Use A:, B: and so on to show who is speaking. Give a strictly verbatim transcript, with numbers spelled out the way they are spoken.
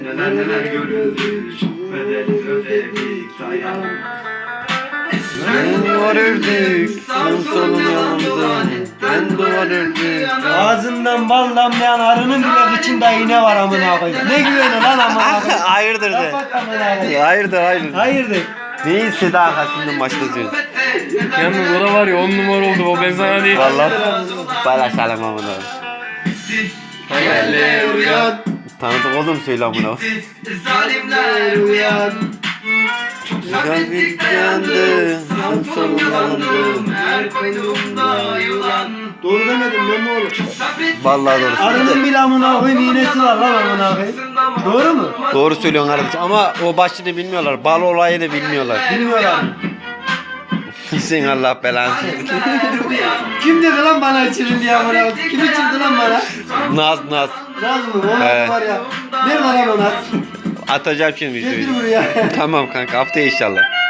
A: Neler neler görüldük, bedel ödedik dayan.
B: Ben duvar ördük, sağ solun yanımda. Ben duvar ördük.
C: Ağzından bal damlayan arının bile kıçında iğne var amına koyayım. Ne güveni lan amına koyayım.
B: Hayırdır de.
C: Kapat amına koyayım.
B: Hayırdır hayırdır.
C: Hayırdır?
B: Neyi Seda arkasından başlatıyorsun?
D: Yalnız ora var ya on numara oldu o ben sana diyeyim.
B: Vallahi paylaşalım amına.
A: Hayaller uyan,
B: Tanıdık oğlum söyle amına.
A: zalimler uyan.
B: Kalbim yandı, sağ solun yanımda.
A: Her koynumda yılan.
C: Doğru demedim ben ne olur?
B: Vallahi doğru.
C: Arının bile amına koyayım iğnesi var lan amına koyayım. Doğru mu?
B: Doğru söylüyorsun kardeşim ama o başını bilmiyorlar. Bal olayını bilmiyorlar.
C: Bilmiyorlar.
B: Sen Allah belanı.
C: Kim dedi lan bana içirin diye amına koyayım? Kim içirdi lan bana?
B: Naz naz.
C: Naz mı? O
B: He.
C: Naz var ya. Nerede lan o Naz?
B: Atacağım şimdi
C: Getir
B: videoyu.
C: buraya.
B: Tamam kanka haftaya inşallah.